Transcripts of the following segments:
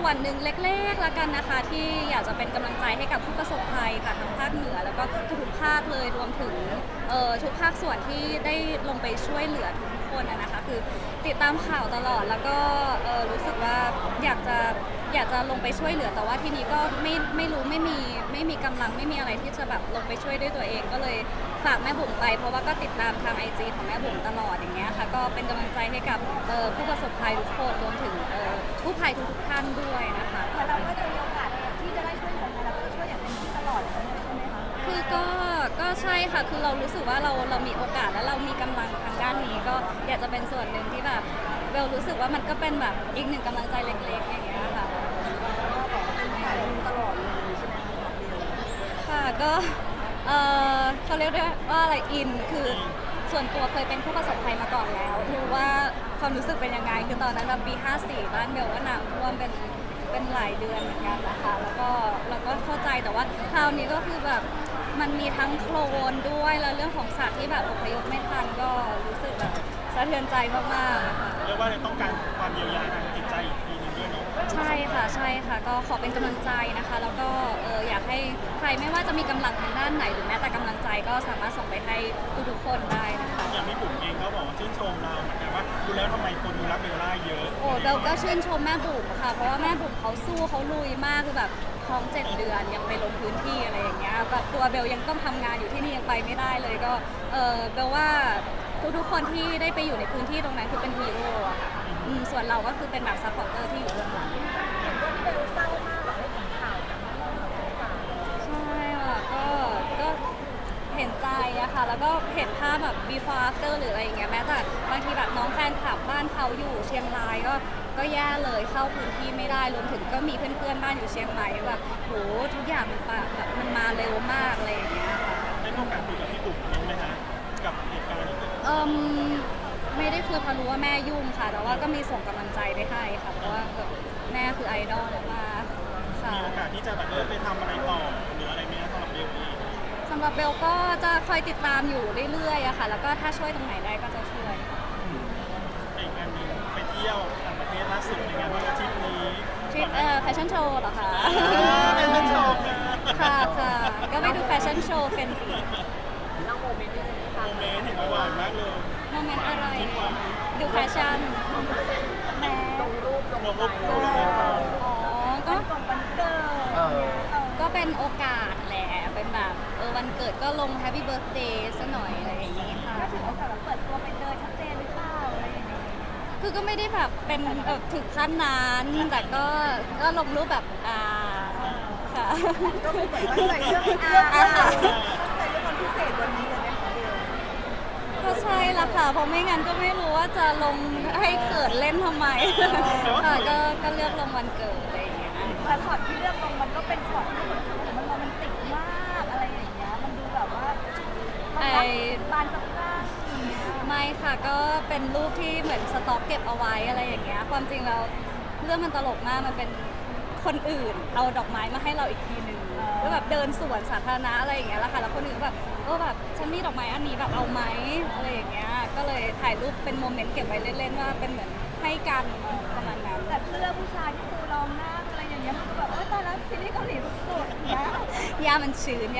ส่วนหนึ่งเล็กๆละกันนะคะที่อยากจะเป็นกำลังใจให้กับผู้ประสบภัยค่ะทั้งภาคเหนือแล้วก็ทุกๆภาคเลยรวมถึงทุกภาคส่วนที่ได้ลงไปช่วยเหลือทุกคนนะคะคือติดตามข่าวตลอดแล้วก็รู้สึกว่าอยากจะลงไปช่วยเหลือแต่ว่าทีนี้ก็ไม่รู้ไม่มีกำลังไม่มีอะไรที่จะแบบลงไปช่วยด้วยตัวเองก็เลยฝากแม่บุ๋มไปเพราะว่าก็ติดตามทาง IG ของแม่บุ๋มตลอดอย่างเงี้ยค่ะก็เป็นกำลังใจให้กับผู้ประสบภัยทุกคนรวมถึงผู้ภัยทุกท่านด้วยนะคะแต่เราก็จะมีโอกาสที่จะได้ช่วยเหลือใครเราก็ช่วยอย่างเต็มที่ตลอดเลยใช่ไหมคะคือก็ใช่ค่ะคือเรารู้สึกว่าเรามีโอกาสและเรามีกำลังทางด้านนี้ก็อยากจะเป็นส่วนหนึ่งที่แบบเบลรู้สึกว่ามันก็เป็นแบบอีกหนึ่งกำลังใจเล็กๆอย่างเงี้ยค่ะเป็นสายบุญตลอดเลยใช่ไหมคะค่ะก็เขาเรียกได้ว่าอะไรอินคือส่วนตัวเคยเป็นผู้ประสบภัยมาก่อนแล้วรู้ว่าความรู้สึกเป็นยังไงคือตอนนั้นแบบปี54บ้านเบลก็น้ำท่วมเป็นหลายเดือนเหมือนกันนะคะแล้วก็เราก็เข้าใจแต่ว่าคราวนี้ก็คือแบบมันมีทั้งโคลนด้วยแล้วเรื่องของสัตว์ที่แบบอพยพไม่ทันก็รู้สึกแบบสะเทือนใจมากๆค่ะเรียกว่าต้องการความเยียวยาทางจิตใจอีกทีนึงด้วยเนาะใช่ค่ะก็ขอเป็นกำลังใจนะคะแล้วก็อยากให้ใครไม่ว่าจะมีกำลังทางด้านไหนหรือแม้แต่กำลังใจก็สามารถส่งไปให้ทุกๆคนได้นะคะอย่างพี่บุ๋มเองก็บอกว่าชื่นชมเราเหมือนกันว่าดูแล้วทำไมคนดูรักเบลล่าเยอะโอ้เบลก็ชื่นชมแม่บุ๋มค่ะเพราะว่าแม่บุ๋มเขาสู้เขาลุยมากคือแบบท้อง7 เดือนยังไปลงพื้นที่อะไรอย่างเงี้ยแบบตัวเบลยังต้องทำงานอยู่ที่นี่ยังไปไม่ได้เลยก็เบลว่าทุกๆคนที่ได้ไปอยู่ในพื้นที่ตรงนั้นคือเป็นฮีโร่อะค่ะส่วนเราก็คือเป็นแบบซัพพอร์ตเตอร์ที่อยู่เบื้องหลังเห็นว่าพี่เบลเศร้ามากแบบได้เห็นข่าวจากน้องๆสาวใช่ค่ะก็เห็นใจอะค่ะแล้วก็เห็นภาพแบบ before after หรืออะไรอย่างเงี้ยแม้แต่บางทีแบบน้องแฟนคลับบ้านเขาอยู่เชียงรายก็แย่เลยเข้าพื้นที่ไม่ได้รวมถึงก็มีเพื่อนๆบ้านอยู่เชียงใหม่แบบโหทุกอย่างมันแบบมันมาเร็วมากอะไรอย่างเงี้ยค่ะได้มีโอกาสคุยกับพี่บุ๋มยังไหมฮะกับเหตุการณ์ที่เกิดขึ้นไม่ได้คือพอรู้ว่าแม่ยุ่งค่ะแต่ว่าก็มีส่งกำลังใจไปให้ค่ะเพราะว่าแบบแม่คือไอดอลมากค่ะมีโอกาสที่จะแบบไปทำอะไรต่อหรืออะไรไหมสำหรับเบลเองสำหรับเบลก็จะคอยติดตามอยู่เรื่อยๆอะค่ะแล้วก็ถ้าช่วยตรงไหนได้ก็จะช่วยอีกงานหนึงไปเที่ยวต่างประเทศล่าสุดในงานวันอาทิตย์นี้ทริปแฟชั่นโชว์เหรอคะเป็นวันโชว์ค่ะก็ไปดูแฟชั่นโชว์เป็นเล่าโมเมนต์นิดนึงค่ะโมเมนต์เห็นว่าหวานมากเลยโมเมนต์อะไรดูแฟชั่นแม่ลงรูปลงรูปคู่เลยอ๋อก็วันเกิดก็เป็นโอกาสแหละเป็นแบบวันเกิดก็ลง Happy Birthday ซะหน่อยอะไรอย่างนี้ค่ะก็ถือโอกาสแบบเปิดตัวไปเลยชัดเจนหรือเปล่าอะไรอย่างเงี้ยคือก็ไม่ได้แบบเป็นถึงขั้นนั้นแต่ก็ลงรูปแบบค่ะก็เหมือนตั้งใจเรื่องตั้งใจเรื่องวันพิเศษวันนี้เลยไหมคะเบลก็ใช่ละค่ะเพราะไม่งั้นก็ไม่รู้ว่าจะลงให้เกิดเล่นทำไมค่ะก็เลือกลงวันเกิดอะไรอย่างเงี้ยแต่ช็อตที่เลือกลงมันก็เป็นช็อตที่เหมือนมันโรแมนติกมากอะไรอย่างเงี้ยมันดูแบบว่าบานสะพรั่งไม่ค่ะก็เป็นรูปที่เหมือนสต็อกเก็บเอาไว้อะไรอย่างเงี้ยความจริงแล้วเรื่องมันตลกมากมันเป็นคนอื่นเอาดอกไม้มาให้เราอีกทีหนึ่งก็แบบเดินสวนสาธารณะอะไรอย่างเงี้ยแหละค่ะแล้วคนอื่นแบบแบบฉันมีดอกไม้อันนี้แบบเอาไหมอะไรอย่างเงี้ยก็เลยถ่ายรูปเป็นโมเมนต์เก็บไว้เล่นๆว่าเป็นเหมือนให้กันประมาณนั้นแต่เสื้อผู้ชายที่ครูลองหน้าอะไรอย่างเงี้ยมันก็แบบตอนนั้นซีรีส์เกาหลีสุดๆนะย่ามันชื้น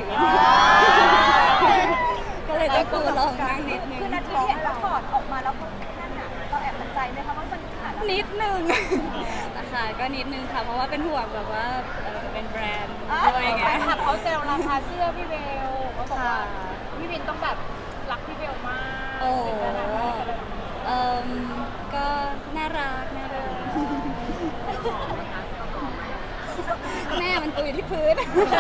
ก็เลยต้องกูลองนั่งนิดนึงคือนาทีเห็นแล้วถอดออกมาแล้วก็นั่นน่ะเราแอบมั่นใจไหมคะว่ามันขาดนิดนึงนะคะก็นิดนึงค่ะเพราะว่าเป็นห่วงแบบว่าเป็นแบรนด์ด้วยไงเขาเซลล์ราคาเสื้อพี่เบลเขาบอกว่าพี่วินต้องแบบรักพี่เบลมากโอ้ก็น่ารักแม่มันตุยที่พื้น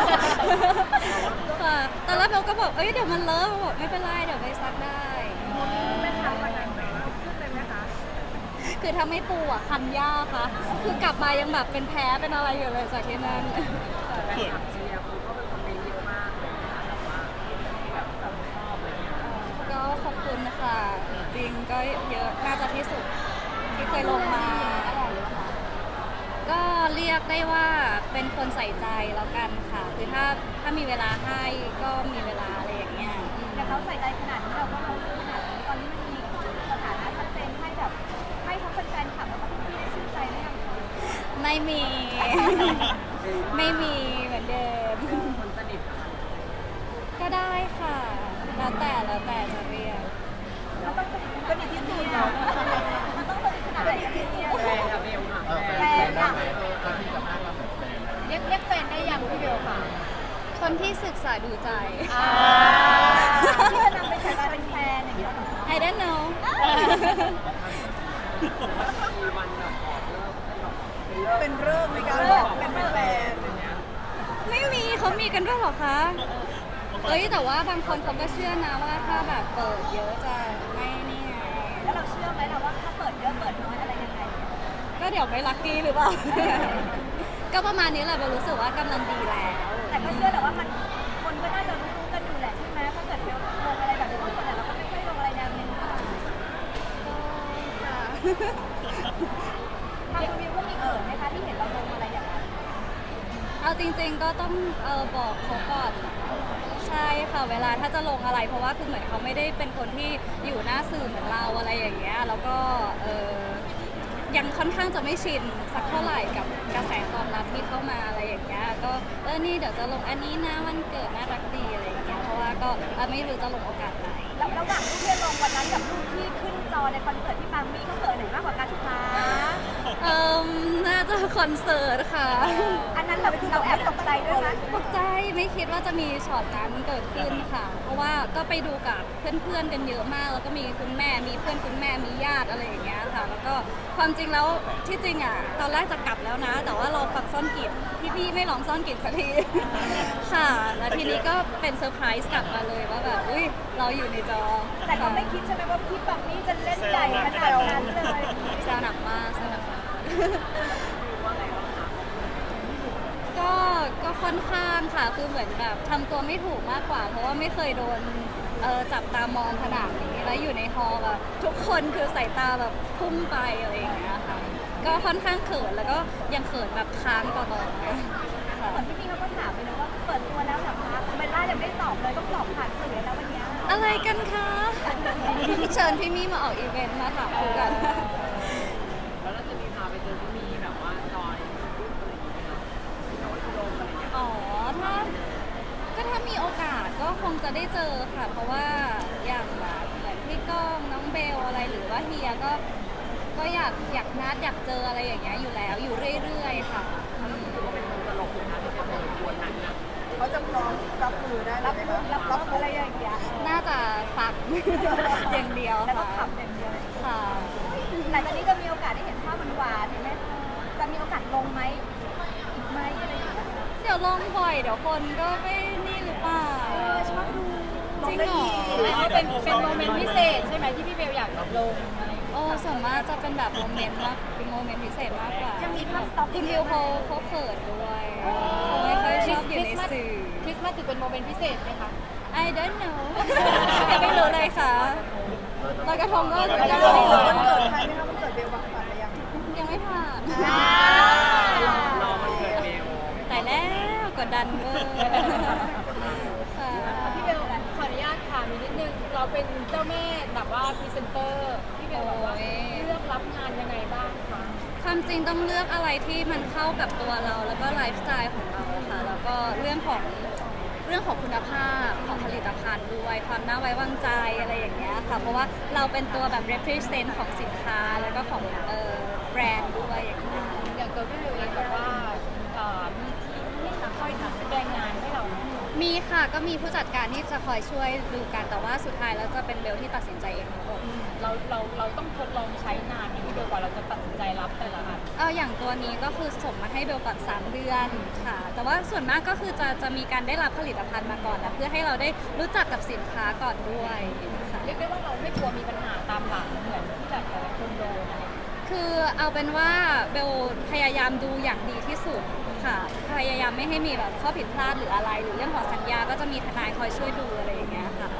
ค่ะตอนแรกเบลก็บอกเดี๋ยวมันเลอะบอกไม่เป็นไรเดี๋ยวไปซักได้ไม่ทำวันนั้นขึ้นเลยไหมคะคือถ้าไม่ปูอ่ะคันยากค่ะคือกลับมายังแบบเป็นแพ้เป็นอะไรอยู่เลยจากที่นั่นเชียร์คุณก็เป็นคนเยอะมากเลยแบบว่าแบบชอบอะไรเงี้ยก็ขอบคุณค่ะจริงก็เยอะน่าจะที่สุดที่เคยลงมาก็เรียกได้ว่าเป็นคนใส่ใจแล้วกันค่ะคือถ้ามีเวลาให้ก็มีเวลาอะไรอย่างเงี้ยแต่เขาใส่ใจขนาดนี้เราก็รู้ขนาดนี้ตอนนี้มันมีสถานะชัดเจนให้แบบให้ทั้งแฟนคลับแล้วก็พี่ๆได้ชื่นใจได้ยังคะไไม่มี ไม่มีเหมือนเดิมคนสนิทอะค่ะก็ได้ค่ะ แล้วแต่จะเรียกมันต้องสนิทที่สุดเนาะมันต้องสนิทขนาดไหนที่สุดแฟนกับเบลค่ะแฟนอะถ้าที่จะให้เราแบบแฟนเรียกแฟนได้ยังพี่เบลค่ะคนที่ศึกษาดูใจที่จะนำไปใช้เป็นแฟนอย่างเงี้ยเหรอ I don't know มีวันแบบขอเลิกให้แบบเป็นเรื่องในการบอกเป็นแฟนอย่างเงี้ยไม่มีเขามีกันด้วยเหรอคะ เอ้ยแต่ว่าบางคนเขาก็เชื่อนะว่าถ้าแบบเปิดเยอะจะไม่นี่ไงแล้วเราเชื่อไหมล่ะว่าถ้าเปิดเยอะเปิดน้อยอะไรยังไงก็เดี๋ยวไม่ลัคกี้หรือเปล่า ก็ประมาณนี้แหละโบรู้สึกว่ากำลังดีแล้วแต่ก็เชื่อแหละว่ามันคนก็น่าจะรู้กันอยู่แหละใช่ไหมถ้าเกิดเราลงอะไรแบบนี้บางคนเนี่ยเราก็ไม่ค่อยลงอะไรแนวนี้ค่ะค่ะทางคุณวิวก็มีเไหมคะที่เห็นเราลงอะไรอย่างนั้นเอาจริงๆก็ต้องบอกเขาก่อน ใช่ค่ะเวลาถ้าจะลงอะไร เพราะว่าคือเหมือนเขาไม่ได้เป็นคนที่อยู่หน้าสื่อเหมือนเราอะไรอย่างเงี้ยแล้วก็ยังค่อนข้างจะไม่ชินสักเท่าไหร่กับกระแสตอบรับที่เข้ามาอะไรอย่างเงี้ยก็นี่เดี๋ยวจะลงอันนี้นะวันเกิดน่ารักดีอะไรอย่างเงี้ยเพราะว่าก็ไม่รู้จะลงโอกาสไหนแล้วระหว่างรูปที่ลงวันนั้นกับรูปที่ขึ้นจอในคอนเสิร์ตที่ปามี่เขาเขินไหนมากกว่ากันคะน่าจะคอนเสิร์ตค่ะอันนั้นเราแอบตกใจด้วยไหมตกใจไม่คิดว่าจะมีช็อตนั้นเกิดขึ้นค่ะ เพราะว่าก็ไปดูกับเพื่อนๆกันเยอะมาก แล้วก็มีคุณแม่มีเพื่อนคุณแม่มีญาติอะไรอย่างเงี้ยค่ะ แล้วก็ความจริงแล้วที่จริงอ่ะตอนแรกจะกลับแล้วนะ แต่ว่าเราฟังซ่อนกลิ่นพี่ไม่ลองซ่อนกลิ่นสักที ค่ะแล้วทีนี้ก็เป็นเซอร์ไพรส์กลับมาเลยว่าแบบอุ้ยเราอยู่ในจอแต่ก็ไม่คิดใช่ไหมว่าพี่ปามี่จะเล่นใหญ่ขนาดนั้นเลยแซวหนักมากแซวหนักมากว่าไงบ้างคะก็ค่อนข้างค่ะ คือเหมือนแบบทำตัวไม่ถูกมากกว่า เพราะว่าไม่เคยโดนจับตามองขนาดนี้ แล้วอยู่ในฮอลล์แบบทุกคนคือสายตาแบบพุ่งไปอะไรอย่างเงี้ยค่ะ ก็ค่อนข้างเขินแล้วก็ยังเขินแบบค้างต่อๆค่ะเหมือนพี่มี่เขาก็ถามไปเลยว่าเปิดตัวแล้วเหรอคะเบลล่ายังไม่ตอบเลยต้องตอบผ่านสื่อแล้ววันเนี้ยอะไรกันคะเชิญพี่มี่มาออกอีเวนต์มาถามคุยกันแล้วเราจะมีพาไปเจอพี่มีแบบว่าจอยรูปอะไรอย่างเงี้ยค่ะโน้ตอุดมอะไรอย่างเงี้ยอ๋อถ้ามีโอกาสก็คงจะได้เจอค่ะ เพราะว่าอย่างแบบเหมือนพี่ก้องน้องเบลอะไรหรือว่าเฮียก็อยากนัดอยากเจออะไรอย่างเงี้ยอยู่แล้วอยู่เรื่อยๆค่ะอืมถือว่าเป็นคนตลกนะคะที่ไปเจอกวนนั้นนะเขาจะพร้อมรับมือได้รับอะไรอย่างเงี้ยน่าจะฟัง อย่างเดียวแล้วก็ค่ะขับอย่างเดียวค่ะหลังจากนี้จะมีโอกาสได้เห็นภาพหวานๆเห็นไหมจะมีโอกาสลงไหมอีกไหมอะไรอย่างเงี้ยเดี๋ยวลงบ่อยเดี๋ยวคนก็ไม่นี่หรือเปล่าชอบดูจริงเหรอเป็นโมเมนต์พิเศษใช่ไหมที่พี่เบลอยากลงอะไรอย่างเงี้ยโอ้ส่วนมากจะเป็นแบบโมเมนต์มากเป็นโมเมนต์พิเศษมากกว่ายังมีภาพสต็อกคุณวิวเขาเขินด้วยเขาไม่ค่อยชอบอยู่ในสื่อคริสต์มาสถือเป็นโมเมนต์พิเศษไหมคะ I don't know ยังไม่รู้เลยค่ะลอยกระทงก็ยังรไม่รู้วันเกิดใครไหมคะวันเกิดเบลบางผ่านไปยังยังไม่ผ่านรอวันเกิดเบลแต่แล้วกดดันเวอร์ค่ะพี่เบลขออนุญาตถามอีกนิดนึง เราเป็นเจ้าแม่แบบว่าพรีเซนเตอร์ พี่เบลแบบว่าเลือกรับงานยังไงบ้างคะความจริงต้องเลือกอะไรที่มันเข้ากับตัวเราแล้วก็ไลฟ์สไตล์ของเราค่ะ แล้วก็เรื่องของคุณภาพของผลิตภัณฑ์ด้วย ความน่าไว้วางใจอะไรอย่างเงี้ยค่ะ เพราะว่าเราเป็นตัวแบบ represent ของสินค้าแล้วก็ของแบรนด์ด้วยอย่างเงี้ยอย่างตัวพี่เบลเองแบบว่ามีทีมที่คอยแสดงงานให้เราไหมมีค่ะก็มีผู้จัดการที่จะคอยช่วยดูกันแต่ว่าสุดท้ายแล้วจะเป็นเบลที่ตัดสินใจเองทั้งหมดเราต้องทดลองใช้นานพี่เบลกว่าเราจะตัดสินใจรับแต่ละอันอย่างตัวนี้ก็คือส่งมาให้เบลก่อน3 เดือนค่ะ แต่ว่าส่วนมากก็คือจะมีการได้รับผลิตภัณฑ์มาก่อนนะเพื่อให้เราได้รู้จักกับสินค้าก่อนด้วยค่ะเรียกได้ว่าเราไม่กลัวมีปัญหาตามหลังเหมือนที่แบบแต่ละคนโดนอะไรอย่างเงี้ยคือเอาเป็นว่าเบลพยายามดูอย่างดีที่สุดค่ะ พยายามไม่ให้มีแบบข้อผิดพลาดหรืออะไร หรือเรื่องของสัญญาก็จะมีทนายคอยช่วยดูอะไรอย่างเงี้ยค่ะ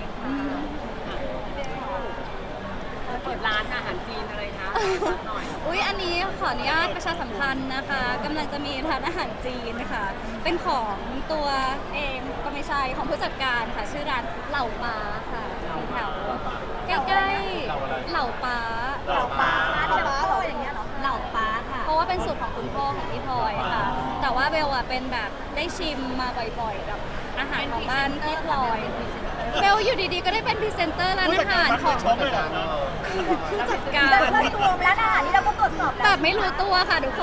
เปิดร้านอาหารจีนอะไรคะหน่อยอุ๊ย อันนี้ขออนุญาตประชาสัมพันธ์นะคะกำลังจะมีร้านอาหารจีนค่ะ เป็นของตัวเองก็ไม่ใช่ของผู้จัดการค่ะ ชื่อร้านเหล่าป้าค่ะแถวใกล้ๆเหล่าป้าเหล่าป้าร้านเหล่าป้าอย่างเงี้ยเหรอเหล่าป้าค่ะ เพราะว่าเป็นสูตรของคุณพ่อของพี่พลอยค่ะ แต่ว่าเบลอะเป็นแบบได้ชิมมาบ่อยๆกับอาหารของบ้านพี่พลอยเบลอยู่ดีๆก็ได้เป็นพรีเซนเตอร์ร้านอาหารของช็อกเลยเหรอครับผู้จัดการเราเคยตัวร้านอาหารนี่เราก็ตรวจสอบแบแล้วบไม่รู้ตัวค่ะทุกคน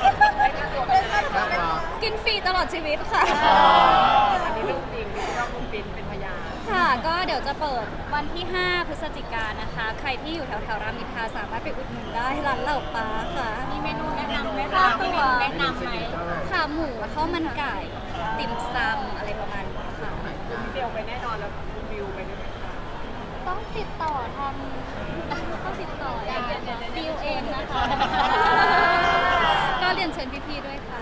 กินฟรีตลอดชีวิตค่ะอันนี้เรื่องจริงที่เราคุณปินเป็นพยานค่ะ ก็เดี๋ยวจะเปิดวันที่ 5 พฤศจิกายนนะคะ ใครที่อยู่แถวๆรามอินทราสามารถไปอุดหนุนได้ร้านเหล่าปลาค่ะมีเมนูแนะนำไหมคะมีเมนูแนะนำไหมขาหมูข้าวมันไก่ ติ่มซำอะไรประมาณนี้ค่ะเดียวไปแน่นอนแล้วคุณวิวไปด้วยไหมคะต้องติดต่อทางต้องติดต่อบิวเองนะคะ ก็เรียนเชิญพี่ๆด้วยค่ะ